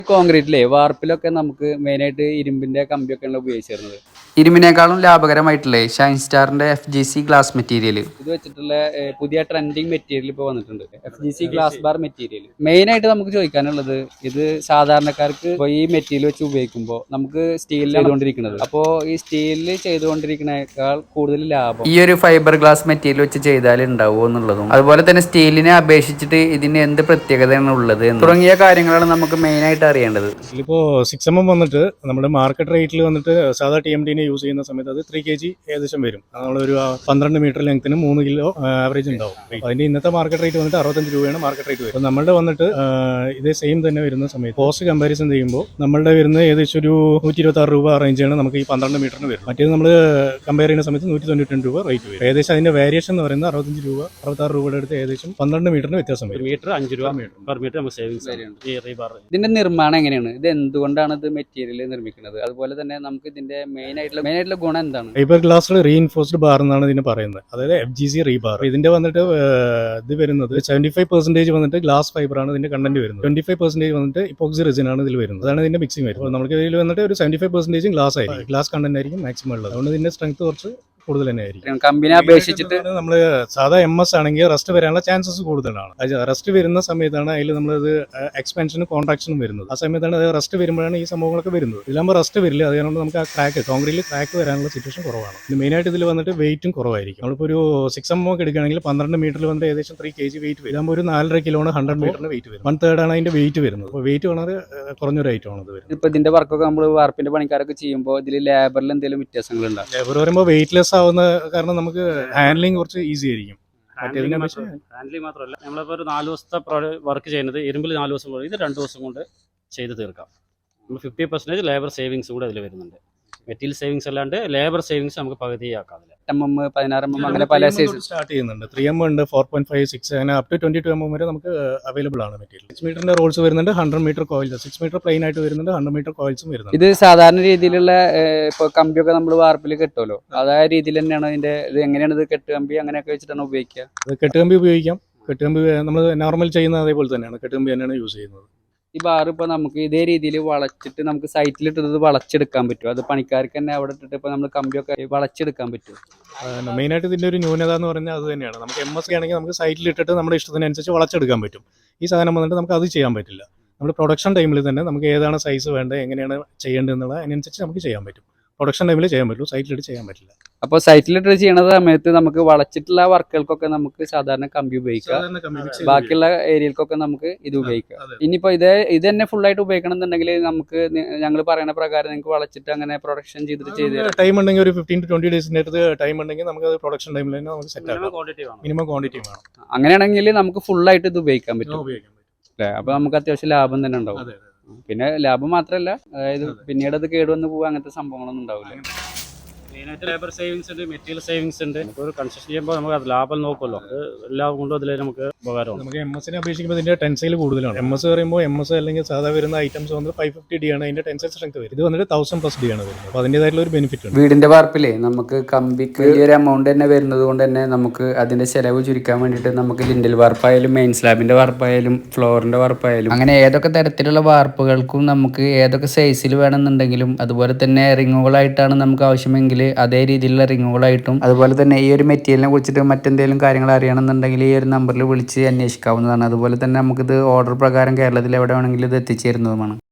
കോൺക്രീറ്റിലെ വാർപ്പിലൊക്കെ നമുക്ക് മെയിനായിട്ട് ഇരുമ്പിന്റെ കമ്പിയൊക്കെയാണ് ഉപയോഗിച്ചിരുന്നത്. ഇരുമ്പിനേക്കാളും ലാഭകരമായിട്ടുള്ള ഷൈൻ സ്റ്റാറിന്റെ FGC ഗ്ലാസ് മെറ്റീരിയൽ ഇത് വെച്ചിട്ടുള്ള പുതിയ ട്രെൻഡിങ് മെറ്റീരിയൽ ഇപ്പോൾ വന്നിട്ടുണ്ട്. FGC glass bar material. മെയിനായിട്ട് നമുക്ക് ചോദിക്കാനുള്ളത്, ഇത് സാധാരണക്കാർക്ക് ഇപ്പോൾ ഈ മെറ്റീരിയൽ വെച്ച് ഉപയോഗിക്കുമ്പോൾ നമുക്ക് സ്റ്റീലിൽ ചെയ്തുകൊണ്ടിരിക്കുന്നത്. അപ്പോൾ ഈ സ്റ്റീലിൽ ചെയ്തുകൊണ്ടിരിക്കുന്നതിനേക്കാൾ കൂടുതൽ ലാഭം ഈ ഒരു ഫൈബർ ഗ്ലാസ് മെറ്റീരിയൽ വെച്ച് ചെയ്താൽ ഉണ്ടാവുമോ എന്നുള്ളതും, അതുപോലെ തന്നെ സ്റ്റീലിനെ അപേക്ഷിച്ചിട്ട് ഇതിന് എന്ത് പ്രത്യേകതയാണ് ഉള്ളത് തുടങ്ങിയ കാര്യങ്ങളാണ് നമുക്ക് മെയിനായിട്ട് അറിയേണ്ടത്. ഇതിലിപ്പോൾ 6mm വന്നിട്ട് നമ്മുടെ മാർക്കറ്റ് റേറ്റിൽ വന്നിട്ട് സാധാ TMD യൂസ് ചെയ്യുന്ന സമയത്ത് അത് 3 kg ഏകദേശം വരും. നമ്മളൊരു 12 മീറ്റർ ലെങ്ത്തിന് 3 കിലോ ആവറേജ് ഉണ്ടാവും. അതിന്റെ ഇന്നത്തെ മാർക്കറ്റ് റേറ്റ് വന്നിട്ട് 65 രൂപയാണ് മാർക്കറ്റ് റേറ്റ് വരും. നമ്മളുടെ വന്നിട്ട് ഇതേ സെയിം തന്നെ വരുന്ന സമയത്ത് കോസ്റ്റ് കമ്പാരിസൺ ചെയ്യുമ്പോൾ നമ്മളുടെ വരുന്നത് ഏകദേശം ഒരു 126 രൂപ റേഞ്ചാണ് നമുക്ക് ഈ 12 മീറ്ററിന് വരും. മറ്റേത് നമ്മൾ കമ്പയർ ചെയ്യുന്ന സമയത്ത് 192 രൂപ റേറ്റ് വരും. ഏകദേശം അതിന്റെ വേരിയേഷൻ എന്ന് പറയുന്നത് 65 രൂപ 66 രൂപയുടെ അടുത്ത് ഏകദേശം 12 മീറ്ററിന് വ്യത്യാസം വരും. മീറ്റർ 5 രൂപ പെർ മീറ്റർ നമുക്ക് സേവിങ്സ്. ഇതിന്റെ നിർമ്മാണം എങ്ങനെയാണ്? ഇത് എന്തുകൊണ്ടാണ് ഇത് മെറ്റീരിയൽ നിർമ്മിക്കുന്നത്? അതുപോലെ തന്നെ നമുക്ക് ഇതിന്റെ മെയിൻ ആയിട്ടുള്ള ഗുണം എന്താണ്? ഫൈബർ ഗ്ലാസ്സിൽ റീഇൻഫോഴ്സ്ഡ് ബാർ എന്നാണ് ഇതിന് പറയുന്നത്, അതായത് FGC റീബാർ. ഇതിന്റെ വന്നിട്ട് ഇത് വരുന്നത് 75% വന്നിട്ട് ഗ്ലാസ് ഫൈബർ ആണ് ഇതിന്റെ കണ്ടന്റ് വരുന്നത്. 25% വന്നിട്ട് ഇപ്പോക്സി റെസിൻ ആണ് ഇതിൽ വരുന്നത്. അതാണ് ഇതിന്റെ മിക്സിംഗ് വരുന്നത്. നമുക്ക് ഇതിൽ വന്നിട്ട് ഒരു 75% ഗ്ലാസ് ആയിരിക്കും, ഗ്ലാസ് കണ്ടന്റ് ആയിരിക്കും മാക്സിമം ഉള്ളത്. അതുകൊണ്ട് ഇതിന്റെ സ്ട്രെങ്ത് കുറച്ച് കൂടുതൽ തന്നെ ആയിരിക്കും. കമ്പനി അപേക്ഷിച്ചിട്ട് നമ്മൾ സാധാ MS ആണെങ്കിൽ റസ്റ്റ് വരാനുള്ള ചാൻസസ് കൂടുതലാണ്. റസ്റ്റ് വരുന്ന സമയത്താണ് അതിൽ നമ്മളത് എക്സ്പാൻഷനും കോൺട്രാക്ഷനും വരുന്നത്. ആ സമയത്താണ് അത് റസ്റ്റ് വരുമ്പോഴാണ് ഈ സംഭവങ്ങളൊക്കെ വരുന്നത്. ഇതിലാകുമ്പോൾ റസ്റ്റ് വരില്ല. അതുകൊണ്ട് നമുക്ക് ആ കോൺക്രീറ്റിൽ ക്രാക്ക് വരാനുള്ള സിറ്റുവേഷൻ കുറവാണ്. ഇത് മെയിനായിട്ട് ഇതിൽ വന്നിട്ട് വെയിറ്റും കുറവായിരിക്കും. നമ്മളിപ്പോൾ ഒരു 6mm ഒക്കെ എടുക്കുകയാണെങ്കിൽ 12 മീറ്ററിൽ വന്നിട്ട് ഏകദേശം 3 kg വെയിറ്റ് വരും. ഇതാകുമ്പോൾ ഒരു 4.5 കിലോണ് 100 മീറ്ററിന് വെയിറ്റ് വരും. 1/3 ആണ് അതിന്റെ വെയിറ്റ് വരുന്നത്. അപ്പോൾ വെയിറ്റ് വളരെ കുറഞ്ഞൊരു ഐറ്റം ആണ് ഇത് വരുന്നത്. ഇപ്പൊ ഇതിന്റെ വർക്കൊക്കെ നമ്മൾ വാർപ്പിന്റെ പണിക്കാരൊക്കെ ചെയ്യുമ്പോൾ ഇതിൽ ലേബറിൽ എന്തെങ്കിലും വ്യത്യാസങ്ങൾ ഉണ്ടാവും? ലേബർ പറയുമ്പോൾ വെയിറ്റ്ലെസ് ആവുന്ന കാരണം നമുക്ക് ഹാൻഡ്ലിംഗ് കുറച്ച് ഈസി ആയിരിക്കും. ഹാൻഡ്ലിംഗ് മാത്രമല്ല, നമ്മളിപ്പോൾ ഒരു 4 ദിവസത്തെ വർക്ക് ചെയ്യുന്നത് ഇരുമ്പിൽ 4 ദിവസം കൊണ്ട് ഇത് 2 ദിവസം കൊണ്ട് ചെയ്ത് തീർക്കാം. നമ്മൾ 50% ലേബർ സേവിങ്സ് കൂടെ അതിൽ വരുന്നുണ്ട്. മെറ്റീരിയൽ സേവിങ്സ് അല്ലാണ്ട് ലേബർ സേവിങ്സ് നമുക്ക് പകുതിയാക്കാം. 8mm 16mm അങ്ങനെ പല സൈസ് സ്റ്റാർട്ട് ചെയ്യുന്നുണ്ട്. 3M ഉണ്ട്, 4.5, 6 അങ്ങനെ അപ് ടു 22mm വരെ നമുക്ക് അവൈലബിൾ ആണ് മെറ്റീരിയൽ. 6 മീറ്ററിന്റെ റോൾസ് വരുന്നുണ്ട്, 100 മീറ്റർ കോയിൽസ്. 6 മീറ്റർ പ്ലെയിൻ ആയിട്ട് വരുന്നുണ്ട്, 100 മീറ്റർ കോയിൽസും വരുന്നുണ്ട്. ഇത് സാധാരണ രീതിയിലുള്ള ഇപ്പൊ കമ്പിയൊക്കെ നമ്മൾ വാർപ്പിൽ കെട്ടുമല്ലോ, അതായ രീതിയിൽ തന്നെയാണ് ഇതിന്റെ ഇത് എങ്ങനെയാണ് ഇത് കെട്ടുകമ്പി അങ്ങനെയൊക്കെ വെച്ചിട്ടാണ് ഉപയോഗിക്കുക? അത് കെട്ടുകമ്പി ഉപയോഗിക്കാം. കെട്ടുകമ്പി നമ്മൾ നോർമൽ ചെയ്യുന്ന അതേപോലെ തന്നെയാണ്, കെട്ടുകമ്പി തന്നെയാണ് യൂസ് ചെയ്യുന്നത്. ഈ ബാർ ഇപ്പൊ നമുക്ക് ഇതേ രീതിയിൽ വളച്ചിട്ട് നമുക്ക് സൈറ്റിലിട്ടത് വളച്ചെടുക്കാൻ പറ്റും? അത് പണിക്കാർക്ക് തന്നെ അവിടെ ഇട്ടിട്ട് ഇപ്പൊ നമ്മൾ കമ്പിയൊക്കെ വളച്ചെടുക്കാൻ പറ്റും? മെയിനായിട്ട് ഇതിന്റെ ഒരു ന്യൂനത എന്ന് പറഞ്ഞാൽ അത് തന്നെയാണ്. നമുക്ക് MS ആണെങ്കിൽ നമുക്ക് സൈറ്റിൽ ഇട്ടിട്ട് നമ്മുടെ ഇഷ്ടത്തിനനുസരിച്ച് വളച്ചെടുക്കാൻ പറ്റും. ഈ സാധനം വന്നിട്ട് നമുക്ക് അത് ചെയ്യാൻ പറ്റില്ല. നമ്മൾ പ്രൊഡക്ഷൻ ടൈമിൽ തന്നെ നമുക്ക് ഏതാണ് സൈസ് വേണ്ടത്, എങ്ങനെയാണ് ചെയ്യേണ്ടത് എന്നുള്ള അതിനനുസരിച്ച് നമുക്ക് ചെയ്യാൻ പറ്റും. പ്രൊഡക്ഷൻ ടൈമിൽ ചെയ്യാൻ പറ്റുള്ളൂ, സൈറ്റിലിട്ട് ചെയ്യാൻ പറ്റില്ല. അപ്പോൾ സൈറ്റിലിട്ട് ചെയ്യുന്ന സമയത്ത് നമുക്ക് വളച്ചിട്ടുള്ള വർക്കുകൾക്കൊക്കെ നമുക്ക് സാധാരണ കമ്പി ഉപയോഗിക്കാം, ബാക്കിയുള്ള ഏരിയകൾക്കൊക്കെ നമുക്ക് ഇത് ഉപയോഗിക്കാം. ഇനിയിപ്പോൾ ഇത് തന്നെ ഫുൾ ആയിട്ട് ഉപയോഗിക്കണം എന്നുണ്ടെങ്കിൽ നമുക്ക് ഞങ്ങൾ പറയുന്ന പ്രകാരം നിങ്ങൾക്ക് വളച്ചിട്ട് അങ്ങനെ പ്രൊഡക്ഷൻ ചെയ്ത് ടൈം ഉണ്ടെങ്കിൽ ഒരു 15 to 20 ഡേയ്സിന്റെ അടുത്ത് ടൈം ഉണ്ടെങ്കിൽ നമുക്ക് അത് പ്രൊഡക്ഷൻ ടൈമിൽ തന്നെ നമുക്ക് സെറ്റ് ആക്കാം. മിനിമം ക്വാണ്ടിറ്റി വേണം. അങ്ങനെയാണെങ്കിൽ നമുക്ക് ഫുൾ ആയിട്ട് ഇത് ഉപയോഗിക്കാൻ പറ്റും അല്ലേ? അപ്പോൾ നമുക്ക് അത്യാവശ്യം ലാഭം തന്നെ ഉണ്ടാവും. പിന്നെ ലാഭം മാത്രമല്ല, അതായത് പിന്നീട് അത് കേടുവന്ന് പോവുക അങ്ങനത്തെ സംഭവങ്ങളൊന്നും ഉണ്ടാവില്ല. മെയിനായിട്ട് ലേബർ സേവിങ്സ് ഉണ്ട്, മെറ്റീരിയൽ സേവിങ്സ് ഉണ്ട്. നമുക്ക് ഒരു കൺസ്ട്രക്ഷൻ ചെയ്യുമ്പോൾ നമുക്ക് അത് ലാഭം നോക്കുമല്ലോ, അത് എല്ലാം കൊണ്ടും അതിൽ നമുക്ക് ഉപകാരമാണ്. നമുക്ക് MS അപേക്ഷിക്കുമ്പോൾ ഇതിന്റെ ടെൻസൈൽ കൂടുതലാണ്. MS പറയുമ്പോൾ MS അല്ലെങ്കിൽ സാധാ വരുന്ന ഐറ്റംസ് വന്നിട്ട് 550D ആണ് അതിന്റെ ടെൻസൈൽ സ്ട്രെങ്ത് വരും. ഇത് വന്നിട്ട് 1000+ D ആണ് വരുന്നത്. അപ്പോൾ അതിൻ്റെതായിട്ടുള്ള ഒരു ബെനിഫിറ്റ് ഉണ്ട്. വീടിന്റെ വാർപ്പിലേ നമുക്ക് കമ്പിക്ക് വലിയൊരു എമൗണ്ട് തന്നെ വരുന്നത് കൊണ്ട് തന്നെ നമുക്ക് അതിന്റെ ചെലവ് ചുരുക്കാൻ വേണ്ടിയിട്ട് നമുക്ക് ലിൻഡൽ വാർപ്പായാലും മെയിൻ സ്ലാബിന്റെ വാർപ്പായാലും ഫ്ലോറിന്റെ വാർപ്പായാലും അങ്ങനെ ഏതൊക്കെ തരത്തിലുള്ള വാർപ്പുകൾക്കും നമുക്ക് ഏതൊക്കെ സൈസിൽ വേണമെന്നുണ്ടെങ്കിലും, അതുപോലെ തന്നെ റിങ്ങുകളായിട്ടാണ് നമുക്ക് ആവശ്യമെങ്കിൽ അതേ രീതിയിലുള്ള റിങ്ങുകളായിട്ടും, അതുപോലെ തന്നെ ഈ ഒരു മെറ്റീരിയലിനെ കുറിച്ചിട്ട് മറ്റെന്തെങ്കിലും കാര്യങ്ങൾ അറിയണമെന്നുണ്ടെങ്കിൽ ഈ ഒരു നമ്പറിൽ വിളിച്ച് അന്വേഷിക്കാവുന്നതാണ്. അതുപോലെ തന്നെ നമുക്കിത് ഓർഡർ പ്രകാരം കേരളത്തിൽ എവിടെ വേണമെങ്കിലും ഇത് എത്തിച്ചേരുന്നതുമാണ്.